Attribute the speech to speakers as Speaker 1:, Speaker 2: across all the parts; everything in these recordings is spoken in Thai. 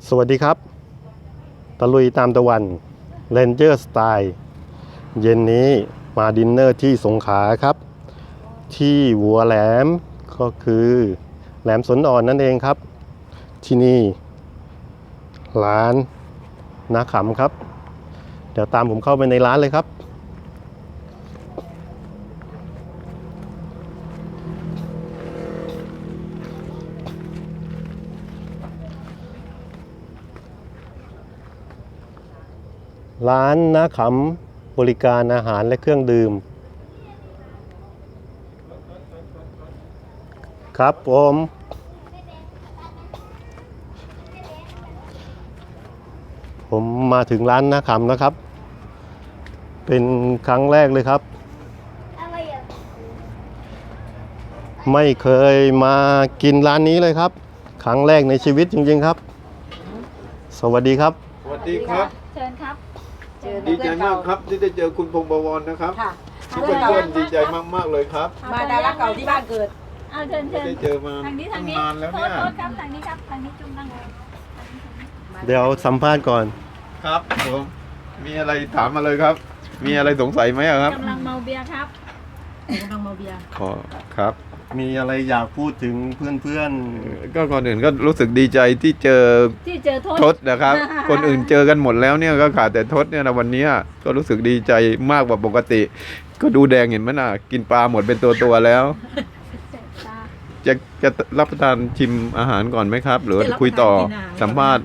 Speaker 1: สวัสดีครับตะลุยตามตะวันเรนเจอร์สไตล์เย็นนี้มาดินเนอร์ที่สงขลาครับที่หัวแหลมก็คือแหลมสนอ่อนนั่นเองครับที่นี่ร้านนาขำครับเดี๋ยวตามผมเข้าไปในร้านเลยครับร้านนาขำบริการอาหารและเครื่องดื่มครับผมมาถึงร้านนาขำนะครับเป็นครั้งแรกเลยครับไม่เคยมากินร้านนี้เลยครับครั้งแรกในชีวิตจริงๆครับสวัสดีครับ
Speaker 2: สวัสดีครับ
Speaker 3: เชิญครับ
Speaker 2: ดีใจมากครับที่ได้เจอคุณพงษ์บวรนะครับเพื่อนๆดีใจมากๆเลยครับ
Speaker 4: มาดาราเก่าที่บ้านเกิด
Speaker 3: เอาเชิญ
Speaker 2: ได้เจอมา
Speaker 3: ทางนี้
Speaker 2: นานแล้วเนี่ย
Speaker 3: โทษครับทางนี้ครับทางนี้จุ่มนั่งเลย
Speaker 1: เดี๋ยวสัมภาษณ์ก่อน
Speaker 2: ครับผมมีอะไรถามมาเลยครับมีอะไรสงสัยไหมครับ
Speaker 3: กำลังเมาเบียร์ครับ
Speaker 4: กำลังเมาเบียร์
Speaker 2: ขอครับ
Speaker 1: มีอะไรอยากพูดถึงเพื่อน
Speaker 2: ก็ก่อนอื่นก็รู้สึกดีใจที่เจอทศนะครับ คนอื่นเจอกันหมดแล้วเนี่ยก็ขาดแต่ทศเนี่ยนะวันนี้ก็รู้สึกดีใจมากกว่าปกติ ก็ดูแดงเห็นไหมน่ะกินปลาหมดเป็นตัวๆแล้วจะรับประทานชิมอาหารก่อนไหมครับหรือคุยต่อสัมภาษณ์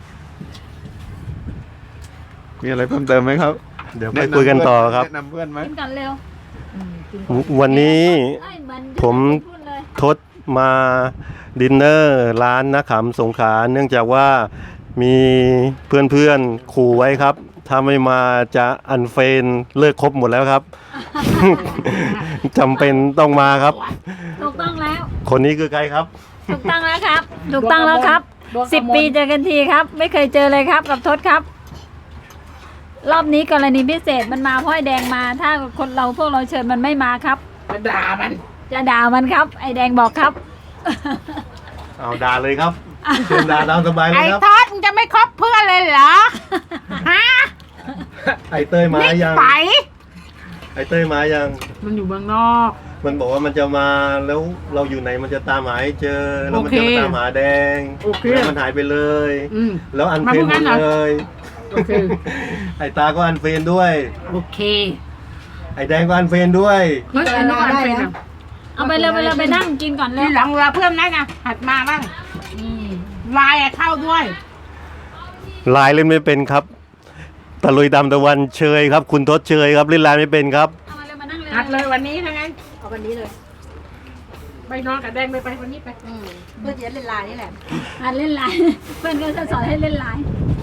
Speaker 2: มีอะไรเพิ่มเติมไหมครับ
Speaker 1: เดี๋ยวไปคุยกันต่อครับ
Speaker 2: แนะนำเพื่อนไหม
Speaker 3: กินกันเร็ว
Speaker 1: วันนี้ผมทดมาดินเนอร์ร้านนาขำสงขลาเนื่องจากว่ามีเพื่อนๆขู่ไว้ครับถ้าไม่มาจะอันเฟนเลิกคบหมดแล้วครับ จำเป็นต้องมาครับ
Speaker 3: ถูกต้องแล้ว
Speaker 1: คนนี้คือใครครับ
Speaker 3: ถูกต้องแล้วครับถูกต้องแล้วครับ10 ปีเจอกันทีครับไม่เคยเจอเลยครับกับทศครับรอบนี้กรณีพิเศษมันมาเพราะไอ้แดงมาถ้าคนเราพวกเราเชิญมันไม่มาครับ
Speaker 4: จะด่า
Speaker 3: มันครับไอ้แดงบอกครับ
Speaker 1: เอาด่าเลยครับเชิญด่าตามสบายเลยครับ
Speaker 4: ไอ้ทอดมึงจะไม่คบเพื่อนเลยเหรอฮะ
Speaker 1: ไอ้เต้ยมายัง
Speaker 4: ไป
Speaker 1: ไอ้เต้ยมายัง
Speaker 4: มันอยู่เมืองนอก
Speaker 1: มันบอกว่ามันจะมาแล้วเราอยู่ไหนมันจะตามหาให้เจอแล้วมันจะมาตามหาแดงแล้วมันหายไปเลยแล้วอันเฟรนหมดเลยไอ้ตาก็อันเฟรนด้วย
Speaker 4: โอเค
Speaker 1: ไอ้แดงก็อันเฟรนด้วย
Speaker 4: เฮ้ยอันนั้นอันเฟรน
Speaker 3: เอาไปเลยไปนั่งกินก่อนเลย
Speaker 4: ทีหลังเราเพิ่มนะหัดมาบ้างไลน์เข้าด้วย
Speaker 1: ไลน์เล่นไม่เป็นครับตะลุยตามตะวันเชยครับคุณทศเชยครับเล่นไลน์ไม่เป็นครับ
Speaker 4: หัดเลยวันนี้ทั้งนั้นเอาวันนี้เลยไปนอนกับแดงไปวันนี้ไปเพื่อจะเล่นไลน์นี่แหละ
Speaker 3: หัดเล่นไลน์เพื่อนก็จะสอนให้เล่นไลน์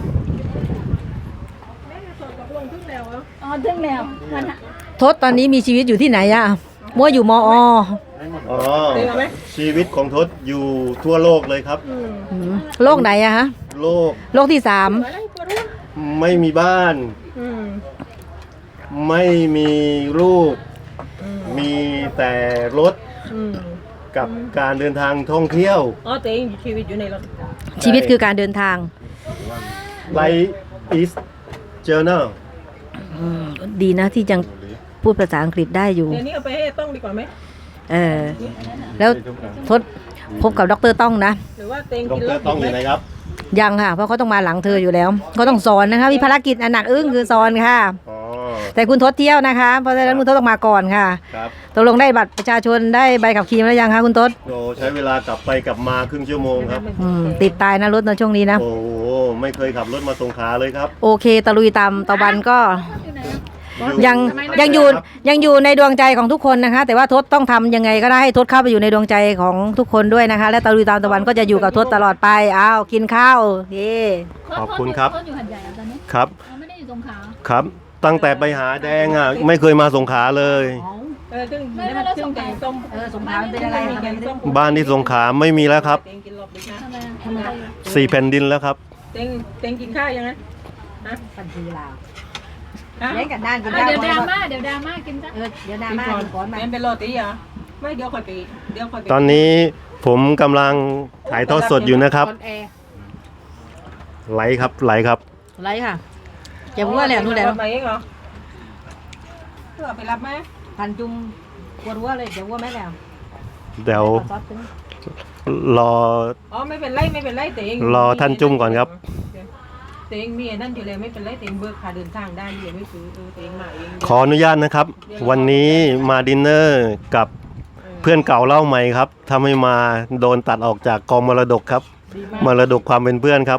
Speaker 3: ทึ่งแล้ว
Speaker 5: ทศตอนนี้มีชีวิตอยู่ที่ไหนอะมั่วอยู่มอ.
Speaker 1: ชีวิตของทศอยู่ทั่วโลกเลยครับ
Speaker 5: โลกไหนอะฮะโลกที่3
Speaker 1: ไม่มีบ้านไม่มีลูกมีแต่รถกับการเดินทางท่องเที่ยว
Speaker 4: ตัวเองชีวิตอยู่ในรถ
Speaker 5: ชีวิตคือการเดินทาง
Speaker 1: Life is journal
Speaker 5: ดีนะที่ยังพูดภาษาอังกฤษได้อยู่
Speaker 4: เดี๋ยวนี้เอาไปให้ต้องดีกว่าไหม
Speaker 5: แล้วทศพบกับดร.ต้องนะ
Speaker 4: หรือว่าเต็ง
Speaker 1: ดร.ต้องอยู่ไหนครับ
Speaker 5: ยังค่ะเพราะเขาต้องมาหลังเธออยู่แล้วเขาต้องสอนนะคะมีภารกิจอันหนักอึ้งคือสอนค่ะแต่คุณทศเที่ยวนะคะเพราะฉะนั้นคุณทศต้องมาก่อนค่ะตกลงได้บัตรประชาชนได้ใบขับขี่แล้วยังคะคุณทศ
Speaker 1: ใช้เวลากลับไปกลับมาครึ่งชั่วโมงครับ
Speaker 5: ติดตายนะรถในช่วงนี้นะ
Speaker 1: โอ้ไม่เคยขับรถมาสงขลาเลยครับ
Speaker 5: โอเคตะลุยตามตะวันก็ยังอยู่ในดวงใจของทุกคนนะคะแต่ว่าทศต้องทำยังไงก็ได้ให้ทศเข้าไปอยู่ในดวงใจของทุกคนด้วยนะคะและตะลุยตามตะวันก็จะอยู่กับทศตลอดไปอ้าวกินข้าว
Speaker 1: ขอบคุณครับ
Speaker 3: อยู่หัดใหญ่ตอนนี้
Speaker 1: ครับ
Speaker 3: ไม่ได้อยู่สงขลา
Speaker 1: ครับตั้งแต่ไปหาแดงอ่ะไม่เคยมาสงขลาเลย
Speaker 4: ซึ่งแกงส้มสงขลาเป็นอะไร
Speaker 1: บ้านที่สงขลาไม่มีแล้วครับ4 แผ่นดินแล้วครับ
Speaker 4: เต็งกินข้าวยังไง
Speaker 5: ปันทีลาว
Speaker 4: เล่นกันด้านกิน
Speaker 3: ข้าวเดี๋ยวดราม่ากินซะ
Speaker 4: เดี๋ยวดราม่าก่อนเป็นโรตีเหรอไม่เดี๋ยวค่อยไป
Speaker 1: ตอนนี้ผมกำลังถ่ายทอดสดอยู่นะครับไหลครับไหลครับ
Speaker 5: ไรค่ะเจ็บหัวเลยนู่นแหละ
Speaker 4: ไปเองเหรอเพื่อไปรับไหม
Speaker 5: พันจุ่มปวดหัวเลยเจ็บหัวไหมแล้ว
Speaker 1: เดี๋ยวรอ
Speaker 4: อ๋อไม่เป็นไรไม่เป็นไรแต่เอง
Speaker 1: รอท่านจุ่มก่อนครับ
Speaker 4: แต่เองมีไอ้นั่นอยู่แล้วไม่เป็นไรแต่เองเบิกค่าเดินทางได้อยู่ไม่ซื้อแต่เองมาเอง
Speaker 1: ขออนุญาตนะครับ วันนี้มาดินเนอร์กับเพื่อนเก่าเล่าใหม่ครับถ้าไม่มาโดนตัดออกจากกองมรดกครับ
Speaker 4: ดี
Speaker 1: ม
Speaker 4: มาก
Speaker 1: รดกความเป็นเพื่อนครับ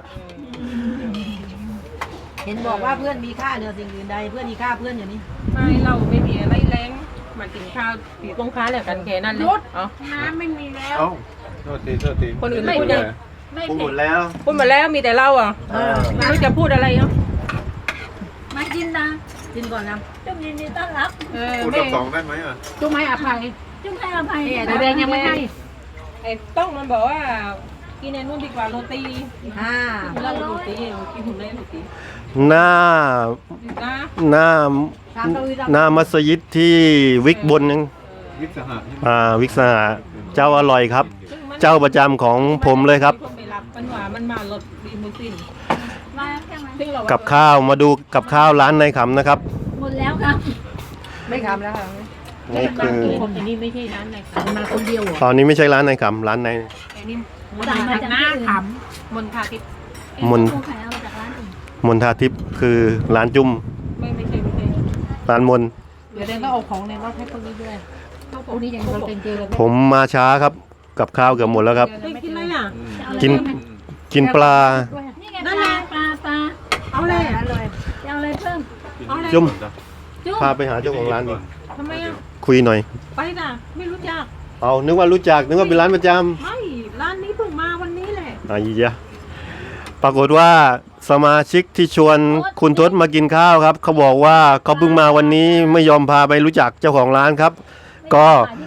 Speaker 5: เห็นบอกว่าเพื่อนมีค่าเหนือสิ่งอื่นใดเพื่อนมีค่าเพื่อนอย่างนี้
Speaker 4: ไม่เราไม่มีอะไรแรงมากินข้าวปีตรงค้าแหละกันแค่นั้นเลยอ๋อน้ำไม่มีแล้ว
Speaker 2: เอ้าโทษที
Speaker 4: คนอื่นไม่พูดเลย
Speaker 3: ไม่
Speaker 1: พูด
Speaker 3: เผ็
Speaker 1: หม
Speaker 3: ด
Speaker 1: ดแล้ว
Speaker 4: พูดมาแล้วมีแต่เราอ่ะไม่รู้จะพูดอะไรเนาะ
Speaker 3: มากินนะ
Speaker 5: กินก่อนนะ
Speaker 3: จุ่มยินดีต้อนรับ
Speaker 2: พูดรอบสองได้ไหมอ่ะ
Speaker 4: จุ๊ไม่อภัย
Speaker 3: จุ่มให้อภัย
Speaker 4: แต่แดงยังไม่ให้ไอ้ต้องมันบอกว่ากินไอ้นู่นดีกว่าโรตี เราโรตีกินหุ่นได้โรตี
Speaker 1: หน้า
Speaker 4: นะ
Speaker 1: หน้าหน้ามัสยิดที่วิกบนนึง
Speaker 2: วิสหะใช่ไหม
Speaker 1: วิกสหะเจ้าอร่อยครับ เจ้าประจำของผมเลยครับ
Speaker 4: ไปรับมันว่ามันมารถดีมูสิน
Speaker 3: มาแค่ไหน
Speaker 4: ซึ่งเรา
Speaker 1: กับข้าวมาดูกับข้าวร้านในขำนะครับ
Speaker 3: หมดแล้วครับ
Speaker 5: ไม่ทำแล้วค่ะ
Speaker 1: นี่คือ
Speaker 4: คนอันนี้ไม่ใช่ร้านไหนค่ะมาคนเดียว
Speaker 1: ตอนนี้ไม่ใช่ร้านในขำร้านใน
Speaker 4: ไอ้นี่
Speaker 3: สั่งมาจาก
Speaker 4: หน้า
Speaker 3: ที่อื่น
Speaker 4: ขำมนทาทิพย์
Speaker 1: มน
Speaker 3: ผู้ขายเอามาจากร้านอื่น
Speaker 1: มนทาทิพย์คือร้านจุ่ม
Speaker 4: ไม่ใช่
Speaker 1: ร้านมน
Speaker 4: เดี๋ยวเดนก็เอาของในรถให้พวกนี้ด้วยพวกนี้ยังเราเป็นเจอกัน
Speaker 1: ผมมาช้าครับ กับข้าวเกือบหมดแล้วครับ
Speaker 4: ไม่กินอะไรอ่ะ
Speaker 1: กินกินปลา
Speaker 3: นี่ไงปลา
Speaker 4: เอาเลย
Speaker 3: จะเอาอะไรเพิ่ม
Speaker 4: เอาเลย
Speaker 1: จุ่ม
Speaker 3: จุ่ม
Speaker 1: พาไปหาเจ้าของร้านดิ
Speaker 4: ทำไมอ่ะ
Speaker 1: คุยหน่อย
Speaker 4: ไปน่ะไม่รู้จัก
Speaker 1: เอานึกว่ารู้จักนึกว่าเป็นร้านประจ
Speaker 4: ไม่ร้านนี้เพิ่งมาวันนี้แหละ
Speaker 1: ำอ่ะยี่ยะปรากฏว่าสมาชิกที่ชวนคุณทศมากินข้าวครับ เขาบอกว่าเขาเพิ่งมาวันนี้ไม่ยอมพาไปรู้จักเจ้าของร้านครับ ก็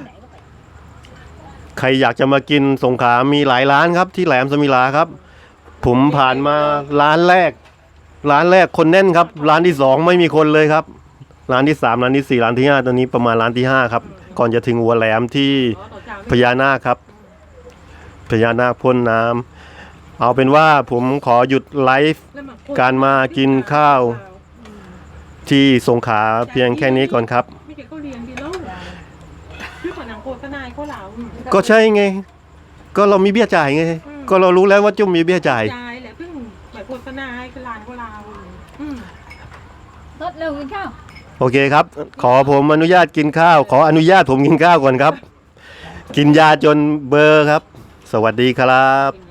Speaker 1: ใครอยากจะมากินสงขลามีหลายร้านครับที่แหลมสมิลาครับ ผมผ่านมาร้านแรกคนแน่นครับ ร้านที่สองไม่มีคนเลยครับ ร้านที่สามร้านที่สี่ร้านที่ห้าตอนนี้ประมาณร้านที่ห้าครับ ก่อนจะถึงหัวแหลมที่พญานาคครับพญานาคพ่นน้ำเอาเป็นว่าผมขอหยุดไลฟ์การมากินข้าวที่สงขลาเพียงแค่นี้ก่อนครับ
Speaker 4: ไม่ใช่เขาเรียนดีแล้วชื่อของหนังโฆษณาเขาเหล่า
Speaker 1: ก็ใช่ไง ก็เรามีเบี้ยจ่ายไง ก็เรารู้แล้วว่าจุ้มมีเบี้ยจ่าย
Speaker 4: จ่ายแหละเพิ่งหมายโฆษณาให้คือร้านเขาเหล่า
Speaker 3: ลดเร็วกินข้าว
Speaker 1: โอเคครับ ขอผมอนุญาตกินข้าว ขออนุญาตผมกินข้าวก่อนครับ กินยาจนเบลอร์ครับ สวัสดีครับ